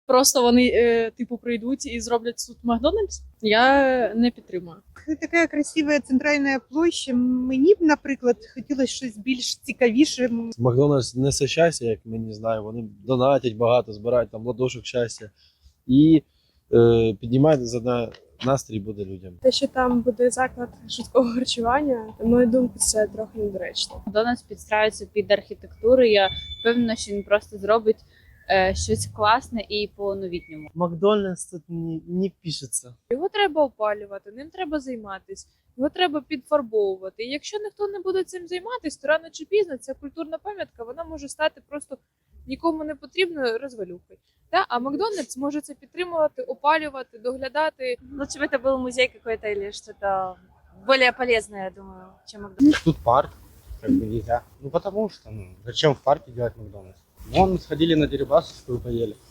просто вони типу прийдуть і зроблять тут Макдональдс, я не підтримую. Така красива центральна площа. Мені б, наприклад, хотілося щось більш цікавіше. Макдональдс несе щастя, як мені знаю. Вони донатять багато, збирають там ладошок щастя і піднімають за настрій буде людям. Те, що там буде заклад швидкого харчування, на мою думку, це трохи недоречно. Макдональдс підстраюється під архітектуру. Я впевнена, що він просто зробить щось класне і по-новітньому. Макдональдс тут не пишеться. Його треба опалювати, ним треба займатися, його треба підфарбовувати. І якщо ніхто не буде цим займатися, то рано чи пізно ця культурна пам'ятка вона може стати просто нікому не потрібною розвалюхою. Да? А Макдональдс може це підтримувати, опалювати, доглядати. Лучше бы это был музей какой-то или что-то более полезное, я думаю, чем Макдональдс. Тут парк, как бы нельзя. Ну потому что, зачем в парке делать Макдональдс? Вон сходили на Дерибасовскую, поели.